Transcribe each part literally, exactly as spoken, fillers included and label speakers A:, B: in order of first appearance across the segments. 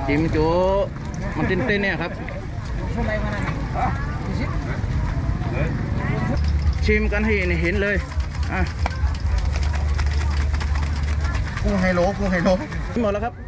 A: จิ้มจุมันเต้นๆเนี่ยครับชิมกันให้เห็นเลยอ่ะ
B: กุ้งไฮโลกุ้งไฮโล
A: หมดแล้วครับ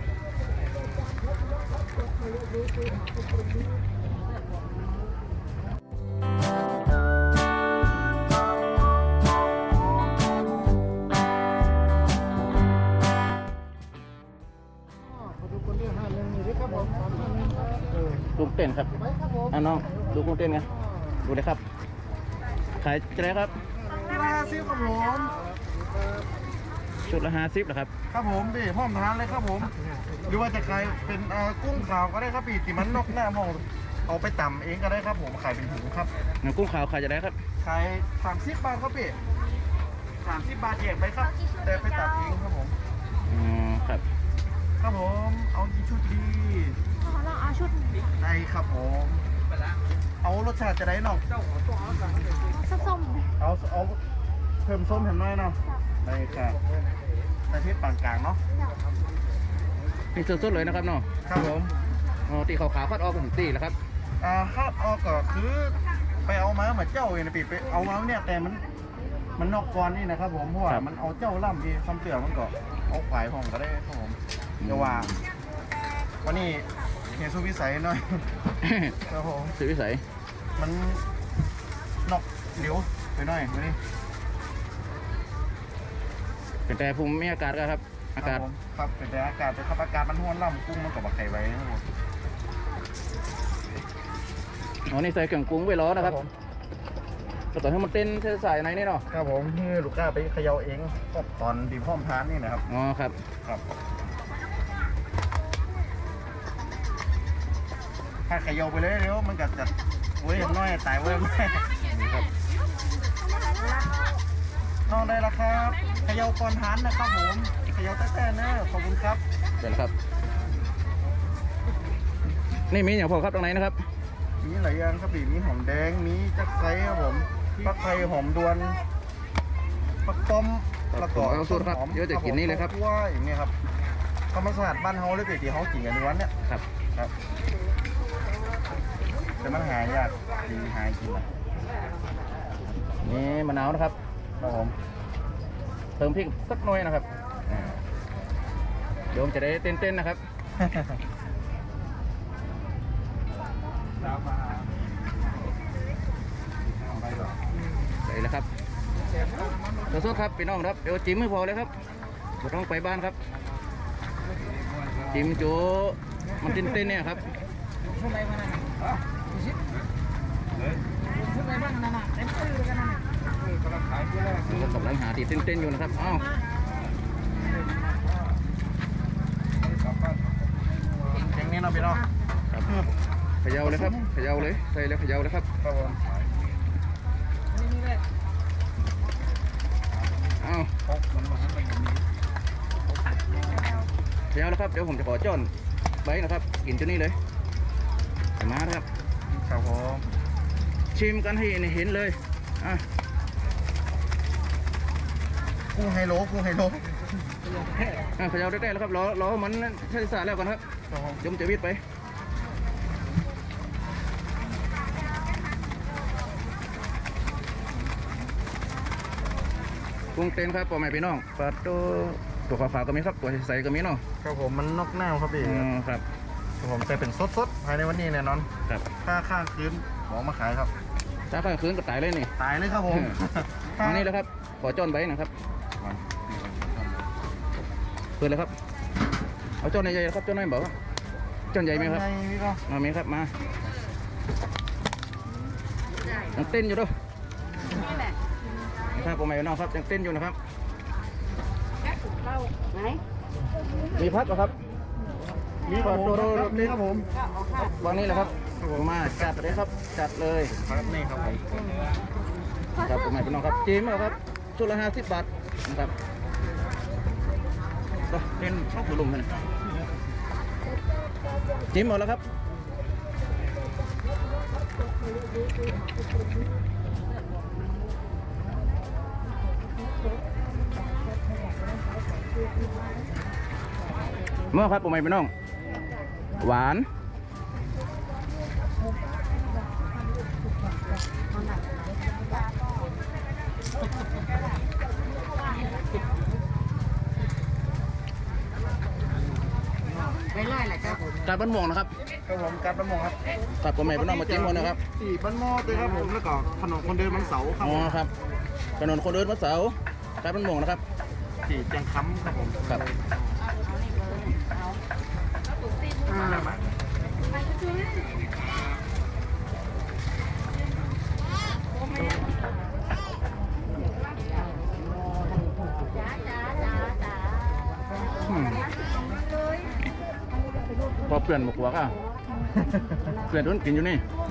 A: ลูกเต้นครับอ่ะน้องดูกุ้งเต้นไงดูเลยครับขายจะได้ครับ
B: ห้าสิบครับผม
A: ชุดละห้าสิบเหรอครับ
B: ครับผมพี่พร้อมทานเลยครับผมหรือว่าจะขายเป็นกุ้งขาวก็ได้ครับพี่ที่มันนกหน้ามองเอาไปตำเองก็ได้ครับผมขายเป็นถุงครับ
A: กุ้งขาวขายจะได้ครับ
B: ขายสามสิบบาทครับพี่สามสิบบาทแยกไปครับแต่ไปตำเองครับผม
A: อ๋อครับ
B: ครับผมเอากี่ชุดดี
C: เราเอาชุด
B: ได้ครับผมเอารสชาติจะได้น้อง
C: ส้ม
B: เอาเอาเพิ่มส้มเห็นไหมเนาะได้ครับแต่ที่ปานกลางเนาะ
A: นี่สดๆเลยนะครับเนาะ
B: ครับผม
A: อ๋อตีขาวๆคัดออกเป็นตีแล้วครับ
B: อ่าคาดออกก็คือไปเอามาเหมือนเจ้าเองนะปีไปเอามาเนี่ยแต่มันมันนอกก่อนนี่นะครับผมเพราะว่ามันเอาเจ้าล่ำที่ซ้ำเตือมันก็เอาขวายห้องก็ได้ครับผมเดี๋ยวว่าวันนี้เห็นสุวิสัยหน่อยครับผม
A: สุวิสัย
B: มันนอกเหลียวไปหน่อยวันนี้
A: เป็นแต่ภูมิอากาศก็ครับอากาศ
B: ครับผมครับเป็นแต่อากาศแต่ครับอากาศมันห้วนล่ำกุ้งมันกับไข่ไว้นะครับผม
A: อ๋อนี่ใส่เครื่องปรุงไว้ล้อนะครับก็ต่อให้มันเต้นใส่ในนี่เนาะ
B: ครับผมนี่ลูกค้าไปเขย่าเองก็ตอนดีพร้อมทานนี่นะครับ
A: อ๋อครับ
B: ครับถ้าเขย่าไปเลยเดี๋ยวมันก็จะเว้ยน้อยตายเว้ยไม่
A: นี่ครับ
B: น้องได้แล้วครับเขย่าก่อนทานนะครับผมเขย่าแท้ๆเนอะขอบคุณครับ
A: เสร็จแล้วครับนี่มีอย่างพอครับตรงไหนนะครับ
B: มีหลายอย่างครับพี่มีหอมแดงมีจักไซครับผมปักไทยหอมดวนปักป้อมแล้วก็
A: เอาสูตรครับเดี๋ยวจะกินนี่เลยครับ
B: ว่าอย่างเงี้ยครับธรรมชาติบ้านเฮาเลยพี่ที่เฮากินกันในวันเนี้ย
A: ครับ
B: ครับแต่มันหายากดีหายกินอ่ะ
A: นี่มะนาวนะครับ
B: ครับผม
A: เติมพริกสักหน่อยนะครับอ่าเดี๋ยวผมจะได้เต้นๆนะครับ ใส่แล้วครับขอโทษครับพี่น้องครับเดี๋ยวจิ้มไม่พอเลยครับเราต้องไปบ้านครับจิ้มจูมันเต้นๆเนี่ยครับเรากำลังหาที่เต้นๆอยู่นะครับอ้าว
B: เก่งนี่เนาะพี่น้อง
A: ครับเขย่าเลยครับเขย่าเลยใส่แล้วเขย่าเลยครับ
B: ครับผม
A: อ้าวเขย่าแล้วครับเดี๋ยวผมจะขอจ้อนไว้นะครับกินตัวนี้เลยใส่มานะครับ
B: ครับผม
A: ชิมกันให้เห็นเลยอ่ะ
B: กุ้งไฮโลกุ้งไฮโล
A: อ่ะเขย่าได้ๆแล้วครับรอรอมันใช้สารแล้วก่อนครับ
B: ครับผม
A: จมจะวิดไปกุ้งเต้นครับปอแม่พี่น้องปลาตัวตัวขาวๆก็มีครับตัวใสๆก็มีเนาะ
B: ครับผมมันนอกหน้าครับพี่
A: อ๋อครับ
B: ครับผมแต่เป็นสดๆภายในวันนี้แน่นอน
A: ครับ
B: ถ้าข้างคืนหมอมาขายครับ
A: ถ้าข้างคืนก็ตายเลยนี่
B: ตายเลยครับผม
A: อันนี้แหล้วครับขอจ้อนไว้นะครับเปิดเลยครับเอาจ้อนใหญ่ๆครับจ้อนน้อยบอกครับจ้อนใหญ่ไหมครับ
B: ใหญ่พี่ก็
A: มามีครับมายังเต้นอยู่ด้วย
C: นี่แหละ
A: ถ้าผมไม่น้องครับยังเต้นอยู่นะครับ
C: เราไหน
A: มีพัดเหรอครับ
B: มีครับผมครับมีครับผม
A: วางนี้แหละครับมาจัดเลยครับจัดเลย
B: ครับนี่ครับผม
A: ครับผมไม่เป็นน้องครับจิ้มเหรอครับชุดละห้าสิบบาทนะครับก็เล่นชอบกลุ่มกันจิ้มหมดแล้วครับเมื่อครับผมไม่เป็นน้องหวาน
C: ไม่ไล่แหละจ้า
A: การบ้านม่วงนะครับ
B: ครับผมการประมงครับ
A: ครับผมแม่พี่น้องมาจิ้มคนนะครับ
B: สี่บ้านหม้อเลยครับผมแล้วก็ถนนคนเดินมันเสาครับ
A: อ๋อครับถนนคนเดินวัดเสาการบ้านม่วงนะครับ
B: สี่แจงค้ำครับผม
A: ครับ
B: อ่า
A: อืมพอเปลี่ยนหมวกหัวก็เปลี่ยนโดนกินอยู่นี่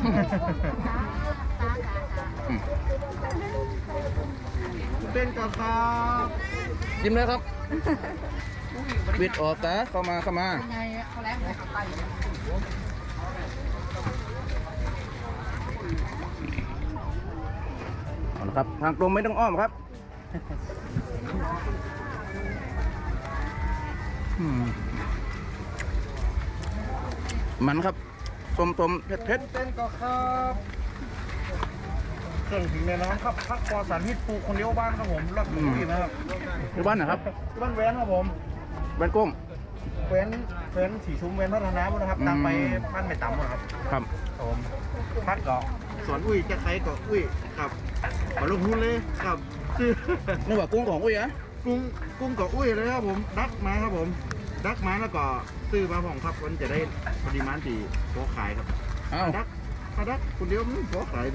A: อืม
B: เต้นกับครับ
A: จิ้มเลยครับบิดออกตาเข้ามาเข้ามาเอาละครับทางตรงไม่ต้องอ้อมครับอืมมันครับต้มต้มเผ็ดเผ็ด
B: เต้นกับครับเครื่องถึงในน้ำครับพักปอสารพิษปลูกคนเดียวบ้านครับผมรอดปุ๋ยนะครับ
A: ที่บ้านนะครับ
B: บ้านแว้นครับผม
A: บ้านกุ้ง
B: แว้นแว้นสีชุมแว้นพัฒนาบุนะครับตามไปบ้านไม่ต่ำนะครับ
A: ครับ
B: ผมพัดเกาะสวนอุ้ยจะใครเกาะอุ้ยกับขอลงทุนเลยกับชื่อ
A: นึกว่ากุ้งของอุ้ยอะ
B: กุ้งกุ้งเกาะอุ้ยเลยครับผมดักมาครับผมดักมาแล้วก็ซื้อมาผมครับมันจะได้ปริมาณที่พอขายครับ
A: เอ้า
B: ดักถ้าดักคนเดียวมันพอขายไป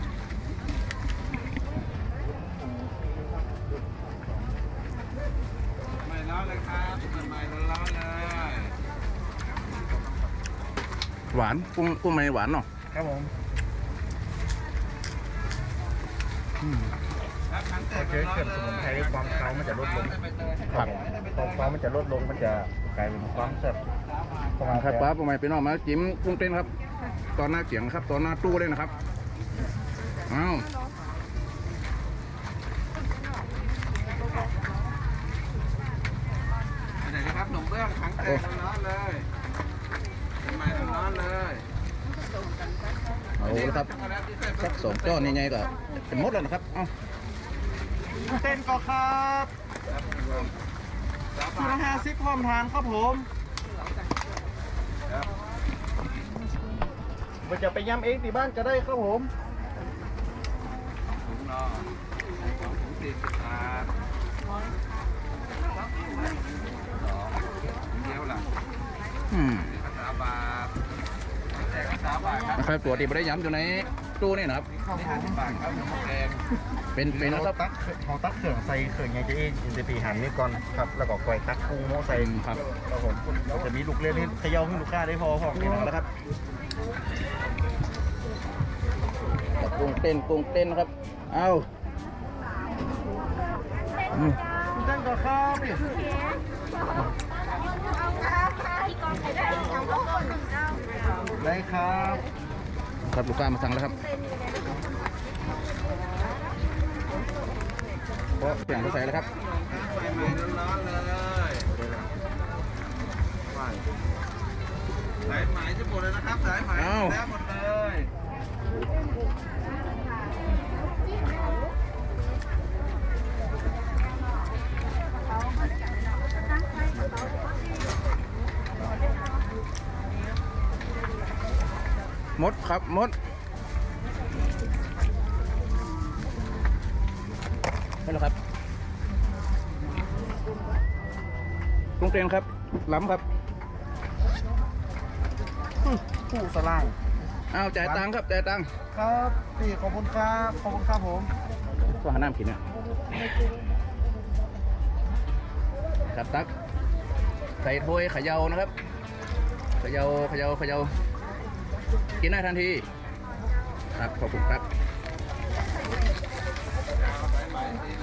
D: ไม่ร้อนเลยครับใหม่ๆร้อนๆเลย
A: หวานกุ้งกุ้งไม่หวานเนาะ
B: ครับผม
A: อืม
D: ครับทั้ง
B: พ
D: แต่
B: อเจอเครื่องสมุนไพรความเค้ามันจะลดลง
A: ครับ
B: ความเค้ามันจะลดลงมันจะกลายเป็นความแซ่บประมาณ
A: ครับป้าผมไม่ไปนอกมาจิ้มกุ้งเต้นครับ ตอนหน้าเขียงครับ ตอนหน้าตู้เลยนะครับเอ้า
D: ไหนนะครับหนุ่มเบื้องทั้งแต่ร้อนๆเลยใหม่ๆร้อนๆเลย
A: เอาละครับสักสองจ้อนยังไงก็เป็นมดแล้วนะครับเอ้า
B: เต้นก็ครับชุดละห้าสิบพร้อมทานครับผมมันจะไปย้ำเองที่บ้านก็ได้ครับผม
D: ถุงนอสองถุงสี่สิบบาทสองเดียวล่ะ
A: อืม
D: ภาษาบาทแต่ภาษาบาทครับ
A: นะครับตัวที่ไม่ได้ย้ำอยู่ในตู้นี่นะครับ
D: นี่ห้าสิบบาทครับหมูแดง
A: เป็นเป็น
B: เรา
A: นะครับ
B: ตักเขาตักเครื่องใส่เครื่องยังจะเอ็นอินเตอร์ปีหันนี่ก่อนครับแล้วก็กอยตักกุ้งโมใส่
A: ครับ
B: ครับผมเราจะมีลูกเล่นให้เขย่าให้ลูกค้าได้พอพอนี่นะ
A: แล้วครับกุ้งเต้นกุ้งเต้นนะครับ เอาอืม
B: เต้นก็ครับนี่ ได้ครับ
A: ครับลูกค้ามาสั่งแล้วครับเพราะเปลี่ยนเขาใส่แล้วครับ
D: ใหม่ๆร้อนๆเลยสายไหมจะหมดเลยนะครับสายไหมแล้วหมดเลย
A: มดครับมดนี่แหละครับกุ้งเต้นครับล้ำครับ
B: ผู้สล่าง
A: เอาจ่ายตังค์ครับจ่ายตังค์
B: ครับพี่ขอบคุณครับขอบคุณครับผม
A: ก็หาน้ำกินเนี่ยครับตักใส่ถ้วยเขย่านะครับเขย่าเขย่าเขย่ากินได้ทันทีครับขอบคุณครับ
D: สายไหมสี